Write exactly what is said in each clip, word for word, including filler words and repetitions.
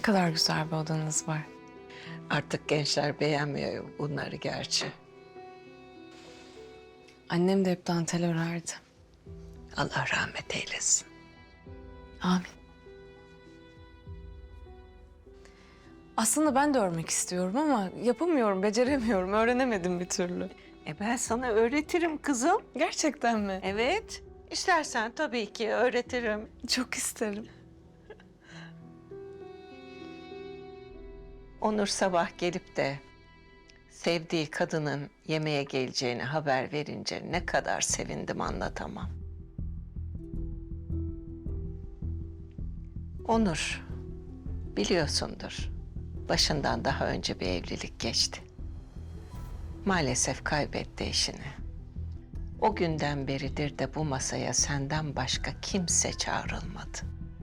kadar güzel bir odanız var. Artık gençler beğenmiyor bunları gerçi. Annem de hep dantel örerdi. Allah rahmet eylesin. Amin. Aslında ben de örmek istiyorum ama yapamıyorum, beceremiyorum, öğrenemedim bir türlü. E ben sana öğretirim kızım. Gerçekten mi? Evet. İstersen tabii ki öğretirim. Çok isterim. Onur sabah gelip de sevdiği kadının yemeğe geleceğini haber verince ne kadar sevindim anlatamam. Onur, biliyorsundur, başından daha önce bir evlilik geçti. Maalesef kaybetti eşini. O günden beridir de bu masaya senden başka kimse çağrılmadı.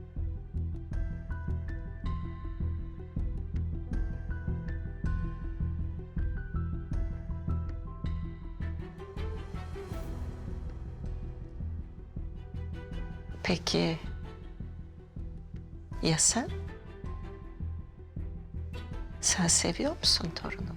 Peki ya sen? Sen seviyor musun torunumu?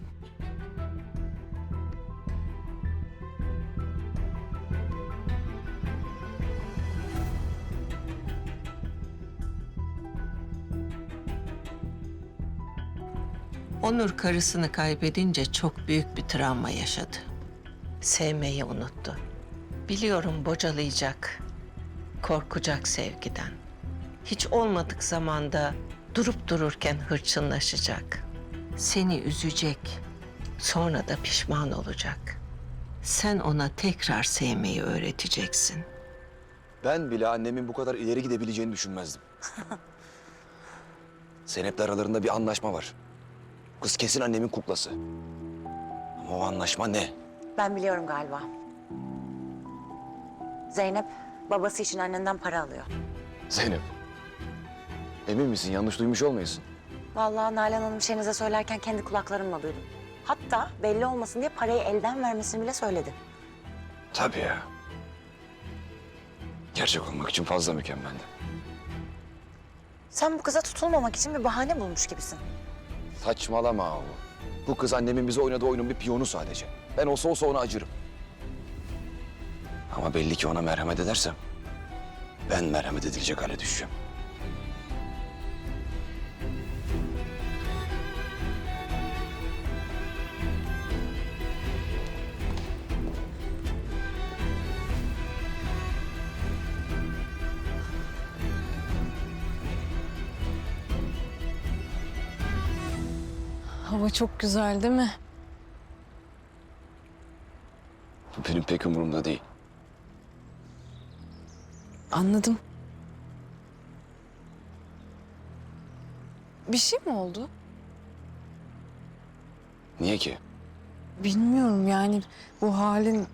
Onur karısını kaybedince çok büyük bir travma yaşadı. Sevmeyi unuttu. Biliyorum bocalayacak, korkacak sevgiden. Hiç olmadık zamanda durup dururken hırçınlaşacak. Seni üzecek, sonra da pişman olacak. Sen ona tekrar sevmeyi öğreteceksin. Ben bile annemin bu kadar ileri gidebileceğini düşünmezdim. Zeynep'le aralarında bir anlaşma var. Kız kesin annemin kuklası. Ama o anlaşma ne? Ben biliyorum galiba. Zeynep babası için annenden para alıyor. Zeynep. Emin misin? Yanlış duymuş olmayasın. Vallahi Nalan Hanım şeyinize söylerken kendi kulaklarımla duydum. Hatta belli olmasın diye parayı elden vermesini bile söyledi. Tabii ya. Gerçek olmak için fazla mükemmeldi. Sen bu kıza tutulmamak için bir bahane bulmuş gibisin. Saçmalama o. Bu kız annemin bize oynadığı oyunun bir piyonu sadece. Ben olsa olsa ona acırım. Ama belli ki ona merhamet edersem ben merhamet edilecek hale düşeceğim. Hava çok güzel değil mi? Bu benim pek umurumda değil. Anladım. Bir şey mi oldu? Niye ki? Bilmiyorum yani bu halin...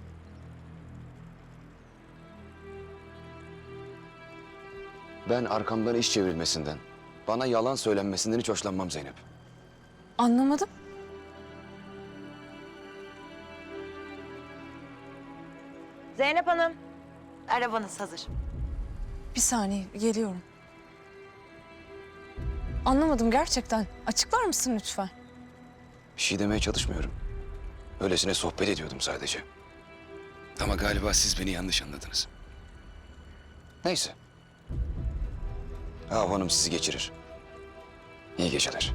Ben arkamdan iş çevrilmesinden, bana yalan söylenmesinden hiç hoşlanmam Zeynep. Anlamadım. Zeynep Hanım, arabanız hazır. Bir saniye geliyorum. Anlamadım gerçekten. Açıklar mısın lütfen? Bir şey demeye çalışmıyorum. Öylesine sohbet ediyordum sadece. Ama galiba siz beni yanlış anladınız. Neyse. Ahu Hanım sizi geçirir. İyi geceler.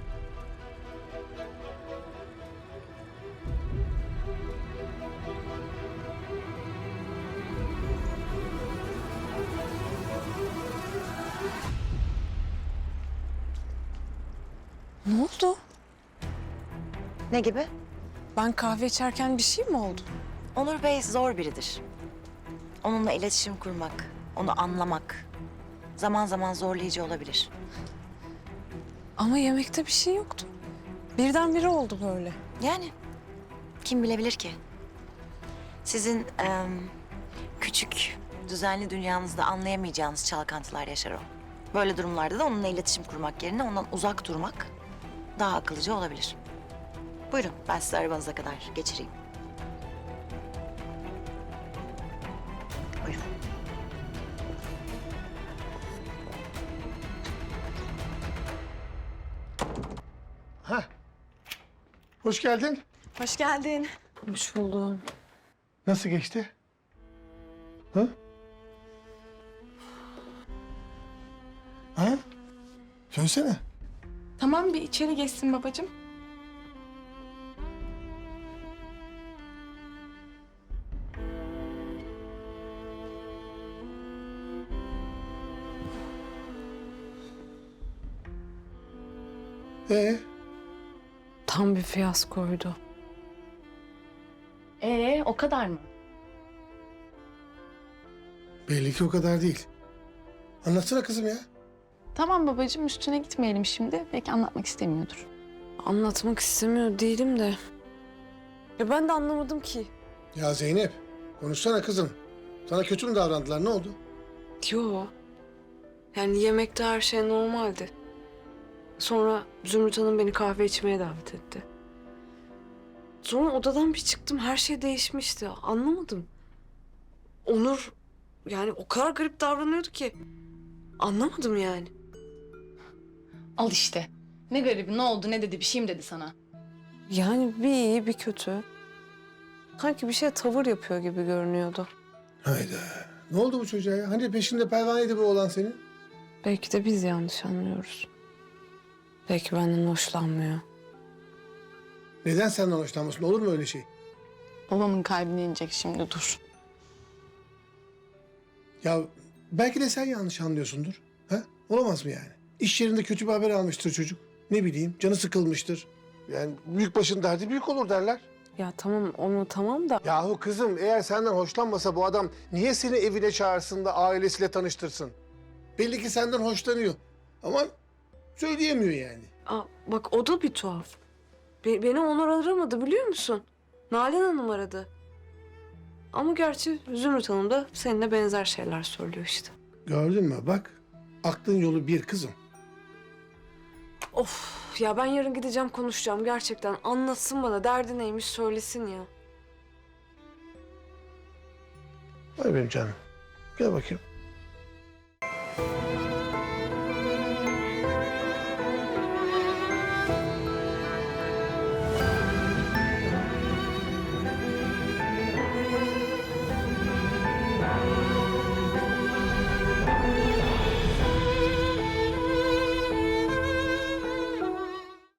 Ne oldu? Ne gibi? Ben kahve içerken bir şey mi oldu? Onur Bey zor biridir. Onunla iletişim kurmak, onu anlamak zaman zaman zorlayıcı olabilir. Ama yemekte bir şey yoktu. Birdenbire oldu böyle. Yani kim bilebilir ki? Sizin em, küçük, düzenli dünyanızda anlayamayacağınız çalkantılar yaşar o. Böyle durumlarda da onunla iletişim kurmak yerine ondan uzak durmak daha akıllıca olabilir. Buyurun, ben sizi arabanıza kadar geçireyim. Buyurun. Ha. Hoş geldin. Hoş geldin. Hoş buldum. Nasıl geçti? Ha? Ha? Söylesene. Tamam bir içeri geçsin babacığım. Ee, Tam bir fiyaskoydu. Ee o kadar mı? belli ki o kadar değil. Anlatsana kızım ya. Tamam babacığım üstüne gitmeyelim şimdi. Belki anlatmak istemiyordur. Anlatmak istemiyor değilim de. Ya ben de anlamadım ki. Ya Zeynep, konuşsana kızım. Sana kötü mü davrandılar? Ne oldu? Yo. Yani yemekte her şey normaldi. Sonra Zümrüt Hanım beni kahve içmeye davet etti. Sonra odadan bir çıktım, her şey değişmişti. Anlamadım. Onur yani o kadar garip davranıyordu ki. Anlamadım yani. Al işte. Ne garibi ne oldu ne dedi bir şey mi dedi sana? Yani bir iyi bir kötü. Sanki bir şey tavır yapıyor gibi görünüyordu. Hayda. Ne oldu bu çocuğa ya? Hani peşinde pervaneydi bu oğlan senin? Belki de biz yanlış anlıyoruz. Belki benden hoşlanmıyor. Neden senden hoşlanmasın? Olur mu öyle şey? Babamın kalbine inecek şimdi dur. Ya belki de sen yanlış anlıyorsundur. Ha? Olamaz mı yani? İş yerinde kötü bir haber almıştır çocuk. Ne bileyim, canı sıkılmıştır. Yani büyük başın derdi büyük olur derler. Ya tamam onu tamam da Yahu kızım eğer senden hoşlanmasa bu adam niye seni evine çağırsın da ailesiyle tanıştırsın? Belli ki senden hoşlanıyor. Ama söyleyemiyor yani. Aa, bak o da bir tuhaf. Be- beni Onur aramadı biliyor musun? Nalan Hanım aradı. Ama gerçi Zümrüt Hanım da seninle benzer şeyler söylüyor işte. Gördün mü bak aklın yolu bir kızım. Of ya ben yarın gideceğim konuşacağım gerçekten. Anlatsın bana derdi neymiş söylesin ya. Vay benim canım. Gel bakayım.